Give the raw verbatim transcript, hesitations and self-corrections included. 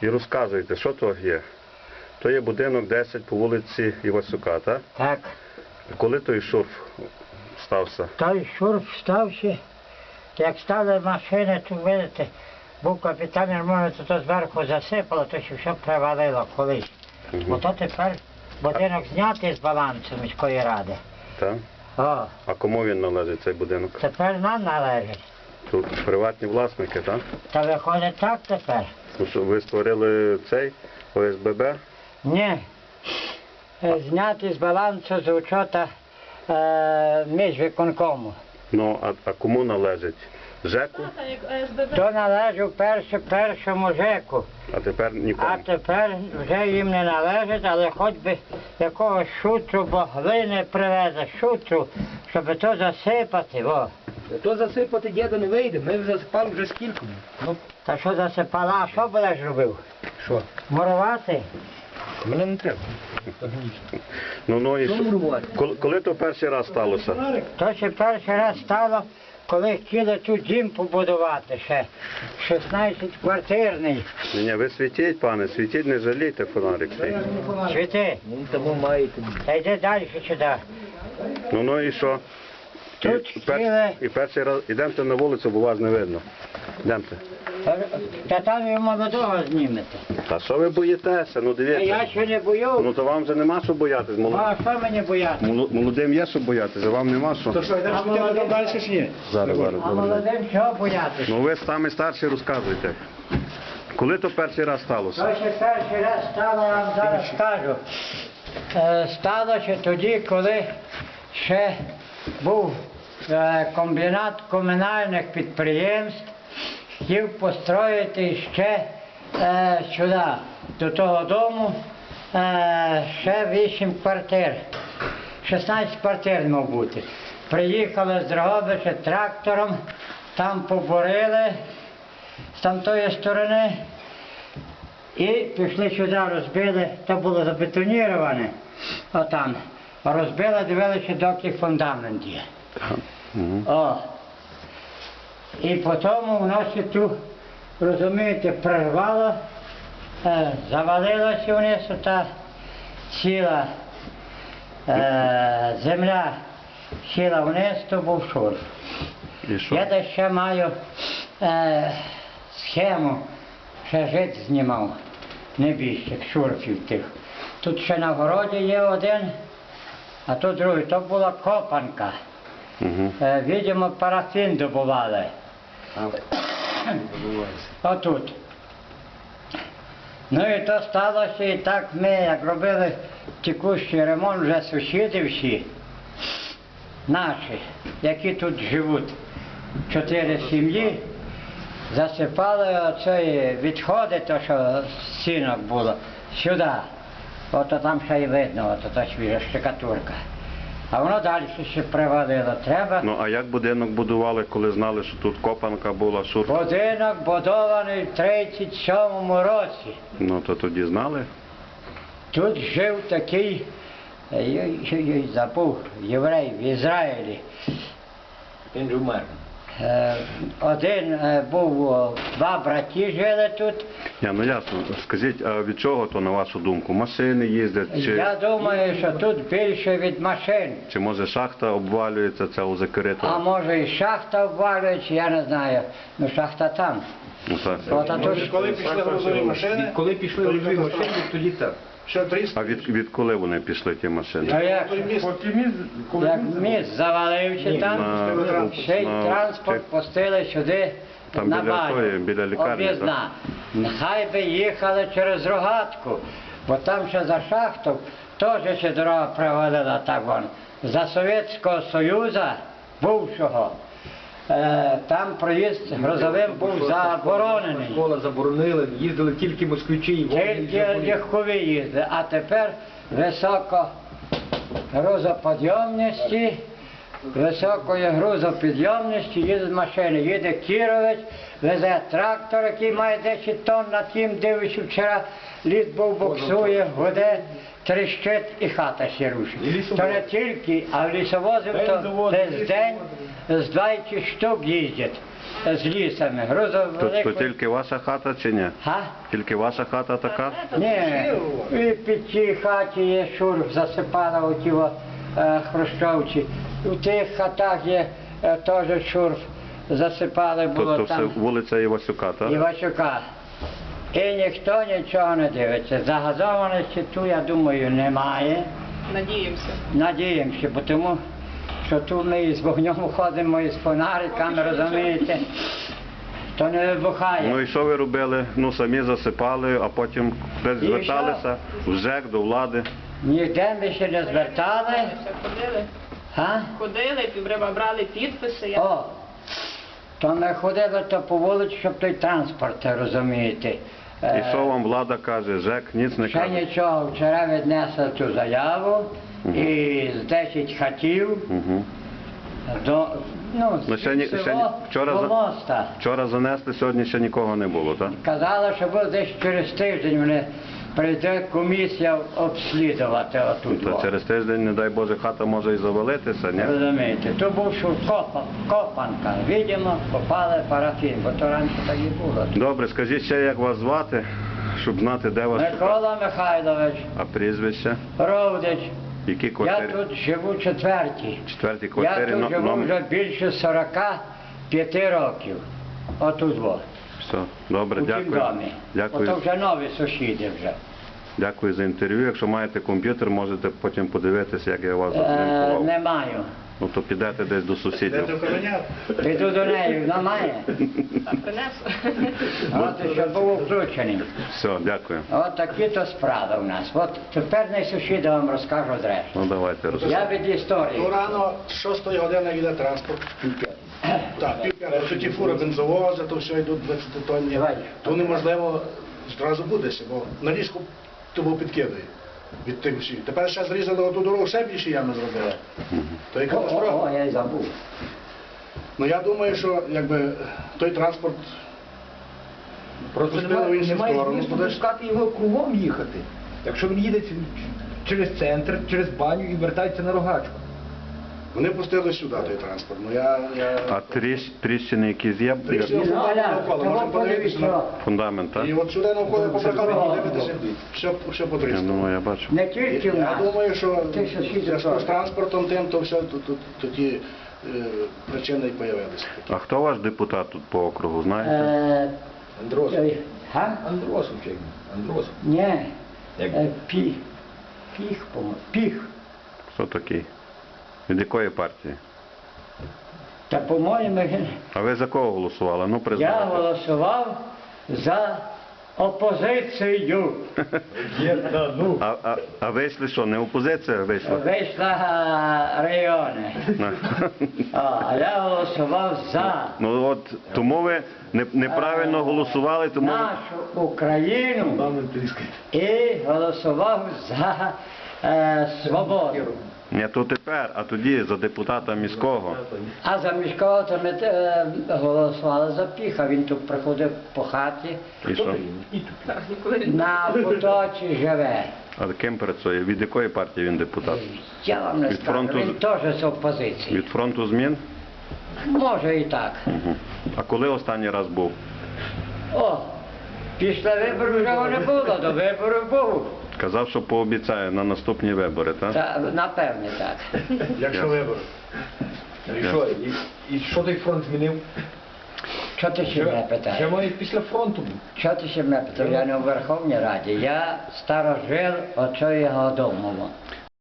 І розказуйте, що то є? То є будинок десять по вулиці Івасюка, так? Так. Коли той шурф стався? Той шурф стався, як стали машини, то видите, був капітан ремонту, то, то зверху засипало, то ще все привалило колись. Угу. Ото тепер будинок знятий з балансу міської ради. Так? О, А кому він належить, цей будинок? тепер нам належить. Тут приватні власники, так? Та виходить так тепер? Ну, що ви створили цей О С Б Б? Ні. Е, Знятий з балансу з учота е, міжвиконкому. Ну, а, а кому належить? ЖЕКу? То належить перше, першому ЖЕКу. А тепер нікому? А тепер вже їм не належить, але хоч би якогось шутру, бо глини привезе, шутру, щоб то засипати. О. То засипати діда не вийде, ми вже засипали вже скільки. Ну, Та що засипала, а що будеш робив? що? Мурувати? Мене не треба. Ну, ну, і Що що? мурувати? Коли, коли то перший раз сталося? То ще перший раз стало, коли хотіли тут дім побудувати ще, шістнадцятиквартирний. Ні, ні, ви світіть, пане, світіть, не жалійте фонарик свій. Світи, Ну, тому маєте. та йди далі сюди. Ну, ну і що? І, Тут пер- хотіли, і перший раз, ідемте на вулицю, бо вас не видно. Ідемте. та там і молодого знімете. Та що ви боїтеся? Ну, А я дивіться. ще не бою. Ну, то вам вже нема що боятись. Ну, Молод- а що мені бояти? моло- Молодим є що боятися, а вам нема що. що, йдемо світити там далі чи ні? Зараз, зараз, А зараз. молодим чого боятися? Ну, ви самі старші розказуйте. Коли то перший раз сталося? То ще перший раз стало, я вам зараз скажу. Е, Стало ще тоді, коли ще був е, комбінат комунальних підприємств, хотів построїти ще е, сюди, до того дому, е, ще вісім квартир. шістнадцять квартир мав бути. Приїхали з Дрогобича трактором, там побурили з тамтої сторони. І пішли сюди, розбили, то було забетоніроване, отам. Розбили, дивилися, доки фундамент є. Угу. О. І потім воно ще тут, розумієте, прорвало, е, завалилося вниз, та ціла е, земля сіла вниз, то був шурф. І що? Я десь ще маю е, схему, ще жит знімав, небіжчик, шурфів тих. Тут ще на городі є один, а тут другий. То була копанка. Угу. Е, видимо, парафін добували. Отут. Ну і то сталося, і так ми, як робили текущий ремонт, вже сусіди всі, наші, які тут живуть, чотири сім'ї, засипали оцей відходи, то що з стінок було, сюди. Ото там ще й видно, ото та свіжа штукатурка. А воно далі ще привалило. Треба. Ну, а як будинок будували, коли знали, що тут копанка була, шурф? Будинок будований в тридцять сьомому році. Ну, то тоді знали? Тут жив такий, е, я- я- я забув, єврей в Ізраїлі. Він же вмер. Е, Один е, був, о, два браті жили тут. Я, ну ясно. Скажіть, а від чого то, на вашу думку? Машини їздять, чи, Я думаю, що тут більше від машин. чи може шахта обвалюється, ця у А закритого? може і шахта обвалюється, я не знаю. Ну шахта там. Ну, так. От, а тут Коли пішли грузові машини, Коли пішли грузові машини, тоді так. ще тридцять. А від, від коли вони пішли, ті машини? а як, як міст завалився там, На- ще й на- транспорт пустили сюди Там на біля баню. тої, біля лікарні, Об'їзна. Нехай би їхали через Рогатку, бо там ще за шахту теж ще дорога провалила так вон. За Совєтського Союзу бувшого, е, там проїзд грузовим був заборонений. Школа заборонили, їздили тільки москвичі і Тільки легкові їздили, а тепер високо грузоподйомності, високої грузопідйомності їздять машини. Їде Кіровець, везе трактор, який має десять тонн, на тім дивився вчора, ліс був буксує, гуде, тріщить і хата ще рушить. То не тільки, а в лісовозів то десь день з двадцять штук їздять. з лісами. Грузов То, то великий. тільки ваша хата чи ні? Га? Тільки ваша хата така? Ні, і під цій хаті є шурф, засипала оті о, е, хрущовці. У тих хатах є е, теж шурф, засипали То, було то все там вулиця Івасюка, так? Івасюка. І ніхто нічого не дивиться. Загазованості тут, я думаю, немає. Надіємося. Надіємося, бо тому що тут ми із вогнем ходимо, із фонариками, розумієте, то не вибухає. Ну і що ви робили? Ну самі засипали, а потім десь І зверталися в ЖЕК, до влади. Ніде ми ще не звертали. Все ходили. А? Ходили, півреба брали підписи. Я... О, то ми ходили то по вулиці, щоб той транспорт, розумієте. І Е, що вам влада каже? ЖЕК ніц не Ще каже. нічого, вчора віднесли цю заяву і з десять хатів Угу. до, ну, Ну, ще ні- з ще ні- село вчора до за- моста. Вчора занесли, сьогодні ще нікого не було, так? Казали, що буде десь через тиждень вони прийде комісія обслідувати отут. Та о. через тиждень, не дай Боже, хата може і завалитися, ні? Розумієте, то був що копа, копанка. Видимо, копали парафін, бо то раніше так і було. Добре, скажіть ще, як вас звати, щоб знати, де вас шукати. Микола Михайлович, А прізвище? Ровдич, Які я квартири? тут живу четвертій. Четвертій Я квартирі, тут но- живу номер. вже більше сорока п'яти років. Отут во, Все, добре, у цім дякую. домі. Дякую. Ото вже нові сусіди вже. Дякую за інтерв'ю. Якщо маєте комп'ютер, можете потім подивитися, як я вас Е, зафільмував. не маю. Ну то підете десь до Де сусідів. ти охороняв? Піду до неї, вона має. А принесу. От що був включений. Все, дякую. От такі то справи у нас. От тепер не сусіди вам розкажу зрештою. Ну давайте Я розповідайте. від історії. Ну рано, з шостої години йде транспорт. Так, пів п'ятого. Що ті фури бензовози, то все йдуть двадцять тонні. Давай. То неможливо зразу будеш, бо на ліжку тобі підкидає від тих всіх. Тепер ще зрізали оту дорогу, ще більше ями зробили. То є О, о, о, катастрофа. я й забув. Ну я думаю, що якби той транспорт Просто пустили в немає, іншу немає сторону, змісту будеш- пускати його кругом їхати. Якщо він їде ц- через центр, через баню і вертається на рогачку. вони пустили сюди той транспорт. Ну я, я... А тріщ, тріщини якісь є? Тріщини? Ну, Аля, навколо, того можемо подивитися на- подивіться. Фундамент, так? І от сюди навколо побракали, Ага. подивитися, все, все Я потріскало. думаю, я бачу. Не тільки в Я нас. думаю, що Ти в що, сидиш зв'язку так? з транспортом тим, то все, то, то, то ті е, причини і появилися. А хто ваш депутат тут по округу, знаєте? Е, Андросов. ой, га? Андросов чи як? Андросов. Ні. Як? Е, Піх. Піх, по-моєму. Піх. Хто такий? Від якої партії? Та, по-моєму, він- А ви за кого голосували? Ну, я признавайте. голосував за опозицію. А, а, а вийшли що, не опозиція вийшла? Вийшла а, райони. А, а я голосував за Ну от тому ви не, неправильно голосували, тому нашу Україну і голосував за е, свободу. не то тепер, а тоді за депутата міського. А за міського то ми е, голосували за Піха. Він тут приходив по хаті, І що? Так, ніколи не на поточі живе. А ким працює? Від якої партії він депутат? Я вам не Від скажу, фронту він з- теж з опозиції. Від фронту змін? Може і так. Угу. А коли останній раз був? О, після виборів вже його не було, до виборів був. Казав, що пообіцяє на наступні вибори, так? Та, напевне так. Якщо вибори. І що, і, і що той фронт змінив? Що ти ще мене Ще питаєш? має після фронту був. Що ти ще мене питаєш? Я не у Верховній Раді. Я старожил оцього дому.